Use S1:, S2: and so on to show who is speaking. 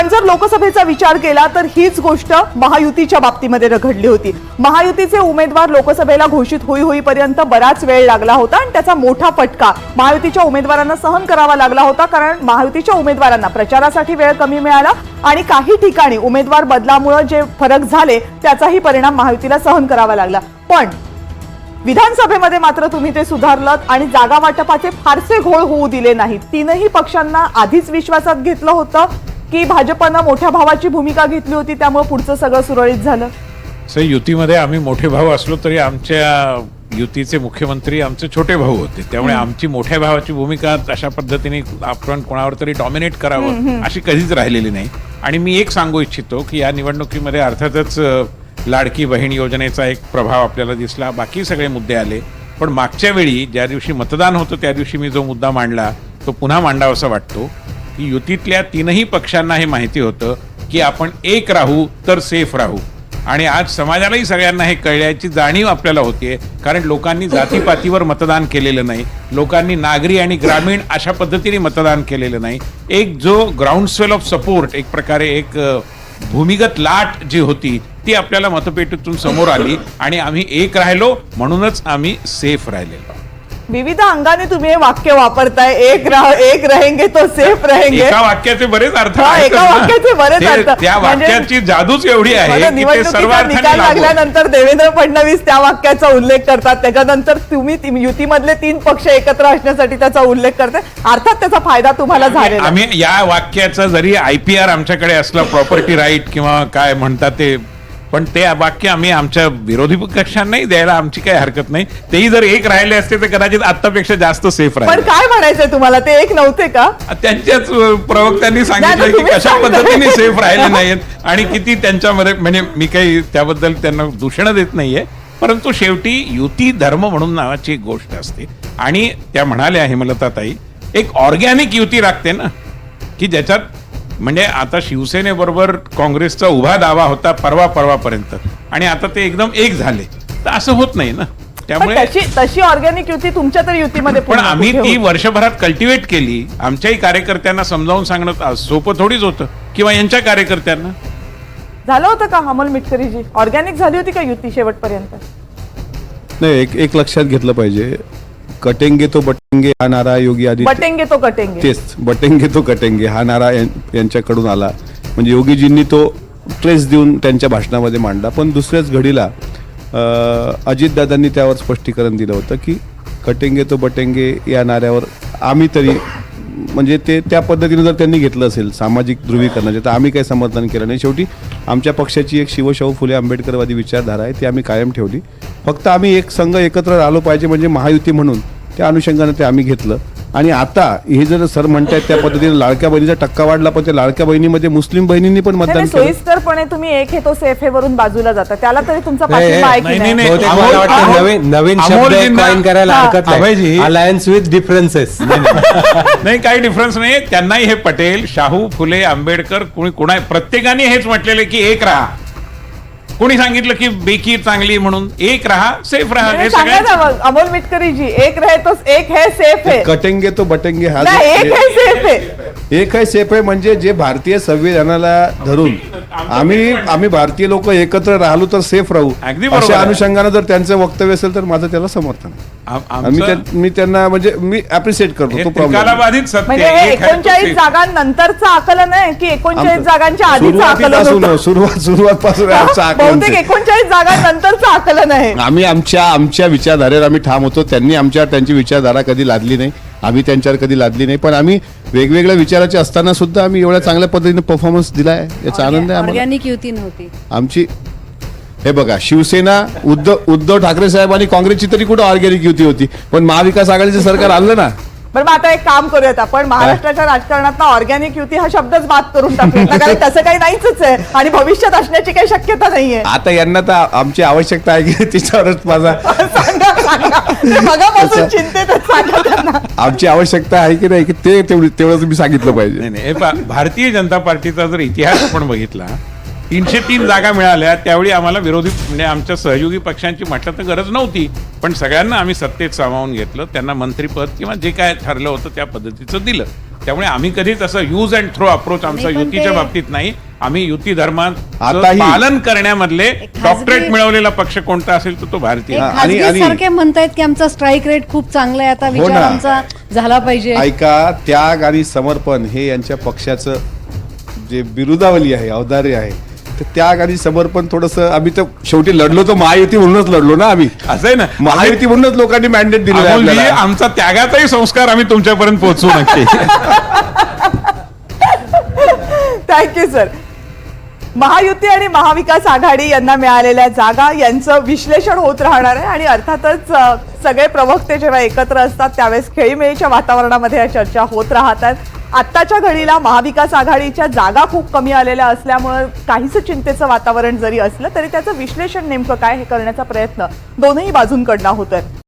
S1: जर लोकसभेचा विचार केला तर हीच गोष्ट महायुतीच्या बाबतीमध्ये घडली होती। महायुतीचे उमेदवार लोकसभेला घोषित होईपर्यंत बराच वेळ लागला होता आणि त्याचा मोठा फटका महायुतीच्या उमेदवारांना सहन करावा लागला होता, कारण महायुतीच्या उमेदवारांना प्रचारासाठी वेळ कमी मिळाला आणि काही ठिकाणी उमेदवार बदलामुळे जे फरक झाले त्याचाही परिणाम महायुतीला सहन करावा लागला। पण विधानसभेमध्ये मात्र तुम्ही ते सुधारलत आणि जागा वाटपाचे फारसे घोळ होऊ दिले नाहीत। तीनही पक्षांना आधीच विश्वासात घेतलं होतं की भाजपनं मोठ्या भावाची भूमिका घेतली होती, त्यामुळे पुढचं सगळं सुरळीत झालं।
S2: युतीमध्ये आम्ही मोठे भाऊ असलो तरी आमच्या युतीचे मुख्यमंत्री आमचे छोटे भाऊ होते, त्यामुळे आमची मोठ्या भावाची भूमिका अशा पद्धतीने आपण कोणावर तरी डॉमिनेट करावं अशी कधीच राहिलेली नाही। आणि मी एक सांगू इच्छितो की या निवडणुकीमध्ये अर्थातच लाडकी बहीण योजनेचा एक प्रभाव आपल्याला दिसला, बाकी सगळे मुद्दे आले। पण मागच्या वेळी ज्या दिवशी मतदान होतं त्या दिवशी मी जो मुद्दा मांडला तो पुन्हा मांडावासा वाटतो की युतीतल्या तीनही पक्षांना हे माहिती होतं की आपण एक राहू तर सेफ राहू, आणि आज समाजालाही सगळ्यांना हे कळल्याची जाणीव आपल्याला होतीये, कारण लोकांनी जातीपातीवर मतदान केलेलं नाही, लोकांनी नागरी आणि ग्रामीण अशा पद्धतीने मतदान केलेलं नाही। एक जो ग्राउंडस्वेल ऑफ सपोर्ट, एक प्रकारे एक भूमिगत लाट जी होती ती आपल्याला मतपेटीतून समोर आली आणि आम्ही एक राहिलो, म्हणूनच आम्ही सेफ राहिलेलो।
S1: विविध अंगाने तुम्ही हे वाक्य वापरताय, एक रहेंगे तो सेफ रहेंगे।
S2: एका वाक्याचे बरेच अर्थ
S1: एका वाक्याचे बरेच अर्थ,
S2: त्या वाक्याची जादूच एवढी आहे की ते सर्व
S1: निकाल लागल्यानंतर देवेंद्र फडणवीस त्या वाक्याचा उल्लेख करतात, त्याच्यानंतर तुम्ही युतीमधले तीन पक्ष एकत्र असण्यासाठी त्याचा उल्लेख करताय, अर्थात त्याचा फायदा तुम्हाला झालेला।
S2: आम्ही या वाक्याचा जरी IPR आमच्याकडे असला, प्रॉपर्टी राईट किंवा काय म्हणतात ते, पण ते वाक्य आम्ही आमच्या विरोधी पक्षांनाही द्यायला आमची काही हरकत नाही। तेही जर एक राहिले असते तर कदाचित आतापेक्षा जास्त सेफ राहिले।
S1: पण काय म्हणायचंय तुम्हाला, ते एक नव्हते का?
S2: त्यांच्याच प्रवक्त्यांनी सांगितलं की कशा पद्धतीने सेफ राहिले नाहीत आणि किती त्यांच्यामध्ये, म्हणजे मी काही त्याबद्दल त्यांना दूषण देत नाहीये, परंतु शेवटी युती धर्म म्हणून नावाची एक गोष्ट असते आणि त्या म्हणाल्या हेमलताताई, एक ऑर्गॅनिक युती लागते ना, की ज्याच्यात म्हणजे आता शिवसेनेबरोबर काँग्रेसचा उभा दावा होता परवापर्यंत आणि आता ते एकदम एक झाले, तर असं होत नाही ना। त्यामुळे
S1: तशी ऑर्गॅनिक युती तुमच्या तर युतीमध्ये
S2: पण आम्ही ती वर्षभरात कल्टिवेट केली। आमच्याही कार्यकर्त्यांना समजावून सांगणं सोपं थोडीच होतं, किंवा यांच्या कार्यकर्त्यांना
S1: झालं होतं का? अमोल मिटकरीजी, ऑर्गॅनिक झाली होती का युती शेवटपर्यंत?
S3: नाही, एक लक्षात घेतलं पाहिजे, कटेंगे तो बटेंगे हा नारा योगी आदित्य,
S1: बटेंगे तो कटेंगे,
S3: तेच बटेंगे तो कटेंगे हा नारा यांच्याकडून आला, म्हणजे योगीजींनी तो ट्रेस देऊन त्यांच्या भाषणामध्ये मांडला। पण दुसऱ्याच घडीला अजितदादांनी त्यावर स्पष्टीकरण दिलं होतं की कटेंगे तो बटेंगे या नाऱ्यावर आम्ही तरी, म्हणजे ते त्या पद्धतीने जर त्यांनी घेतलं असेल सामाजिक ध्रुवीकरणाचे, तर आम्ही काही समर्थन केलं नाही। शेवटी आमच्या पक्षाची एक शिवशाहू फुले आंबेडकरवादी विचारधारा आहे, ती आम्ही कायम ठेवली। फक्त आम्ही एक संघ एकत्र राहिलो पाहिजे म्हणजे महायुती म्हणून, त्या अनुषंगाने ते आम्ही घेतलं। आणि आता हे जर सर म्हणतायत त्या पद्धतीने लाडक्या बहिणीचा टक्का वाढला, पण त्या लाडक्या बहिणीमध्ये मुस्लिम बहिणींनी पण मतदान केलं।
S1: सोयीस्करपणे तुम्ही एक हे तो सेफ हे वरून बाजूला जाता, त्याला तरी तुमचा पाठिंबा आहे की नाही?
S4: नवीन शब्द कॉइन करायला हरकत नाही, अलायन्स विथ डिफरन्सेस।
S2: नाही, काही डिफरन्स नाही, त्यांनाही हे पटेल, शाहू फुले आंबेडकर, कोणा प्रत्येकाने हेच म्हटलेले की एक राहा। कोणी सांगितलं की बेकी चांगली म्हणून? एक राहा, सेफ राहा, हे सगळं।
S1: अमोल मिटकरीजी, एक रहे तो एक है सेफ है,
S3: कटेंगे तो बटेंगे हा
S1: एक है सेफ है,
S3: एक है सेफ आहे, म्हणजे जे भारतीय संविधानाला धरून आम्ही भारतीय लोक एकत्र राहिलो तर सेफ राहू, अशा अनुषंगाने जर त्यांचं वक्तव्य असेल तर माझं त्याला समर्थन आहे। मी त्यांना म्हणजे मी अप्रिशिएट करतो तो
S2: कालाबाधित सत्य।
S1: म्हणजे 39 जागांनंतरचं आकलन आहे की 39 जागांच्या आधीचं आकलन?
S3: सुरुवातपासून
S1: बहुतेक 39 जागांनंतरचं आकलन आहे।
S3: आम्ही आमच्या विचारधारेवर आम्ही ठाम होतो, त्यांनी त्यांची विचारधारा कधी लादली नाही, आम्ही त्यांच्यावर कधी लादली नाही, पण आम्ही वेगवेगळ्या विचाराचे असताना सुद्धा आम्ही एवढ्या चांगल्या पद्धतीने परफॉर्मन्स दिलाय, याचा आनंद आहे आम्हाला।
S5: ऑर्गॅनिक युती नव्हती
S3: आमची। हे बघा, शिवसेना उद्धव ठाकरे साहेब आणि काँग्रेसची तरी कुठं ऑर्गॅनिक युती होती, पण महाविकास आघाडीचं सरकार आलं ना।
S1: बरं, मग आता एक काम करूयात आपण, महाराष्ट्राच्या राजकारणात ऑर्गॅनिक युती हा शब्दच बाद करून टाकूया, कारण तसं काही नाहीच आहे आणि भविष्यात असण्याची काही शक्यता नाहीये।
S3: आता यांना तर आमची आवश्यकता आहे की तिच्यावरच माझा
S1: मगापासून चिंतेत सांगा त्यांना,
S3: आमची आवश्यकता आहे की नाही, की ते तेवढं तुम्ही सांगितलं पाहिजे।
S2: नाही, भारतीय जनता पार्टीचा जर इतिहास आपण बघितला 303 जागा मिळाल्या त्यावेळी आम्हाला विरोधी म्हणजे आमच्या सहयोगी पक्षांची म्हटलं तर गरज नव्हती, पण सगळ्यांना आम्ही सत्तेत सामावून घेतलं, त्यांना मंत्रिपद किंवा जे काय ठरलं होतं त्या पद्धतीचं दिलं. त्यामुळे आम्ही कधीच असं यूज अँड थ्रो अप्रोच आमचा
S5: नाही, पण
S2: युतीच्या
S5: ते-
S2: बाबतीत नाही. आम्ही युती धर्मात
S3: आताही-
S2: पालन करण्यामधले
S5: खाजगी-
S2: डॉक्टरेट मिळवलेला पक्ष कोणता असेल तर तो भारतीय.
S3: हा,
S5: खाजगी
S3: आणि-
S5: सारखे म्हणतायत की आमचा स्ट्राईक रेट खूप चांगला आहे, आता
S3: हो
S5: विचार
S3: ना.
S5: आमचा झाला पाहिजे.
S3: ऐका, त्याग आणि समर्पण हे यांच्या पक्षाचं जे बिरुदावली आहे, औदार्य आहे, तर त्याग आणि समर्पण थोडंसं आम्ही तर शेवटी लढलो, तो महायुती म्हणूनच लढलो ना आम्ही.
S2: असं आहे ना,
S3: महायुती म्हणूनच लोकांनी मॅन्डेट दिलेलं आहे
S2: अमोलजी,
S3: आपल्याला.
S2: आमचा त्यागाचाही संस्कार आम्ही तुमच्यापर्यंत पोहोचू नक्की.
S1: Thank you sir. महायुती आणि महाविकास आघाडी यांना मिळालेल्या जागा यांचं विश्लेषण होत राहणार आहे आणि अर्थातच सगळे प्रवक्ते जेव्हा एकत्र असतात त्यावेळेस खेळीमेळीच्या वातावरणामध्ये या चर्चा होत राहतात. आत्ताच्या घडीला महाविकास आघाडीच्या जागा खूप कमी आलेल्या असल्यामुळे काहीसं चिंतेचं वातावरण जरी असलं तरी त्याचं विश्लेषण नेमकं काय हे करण्याचा प्रयत्न दोनही बाजूंकडनं होतोय.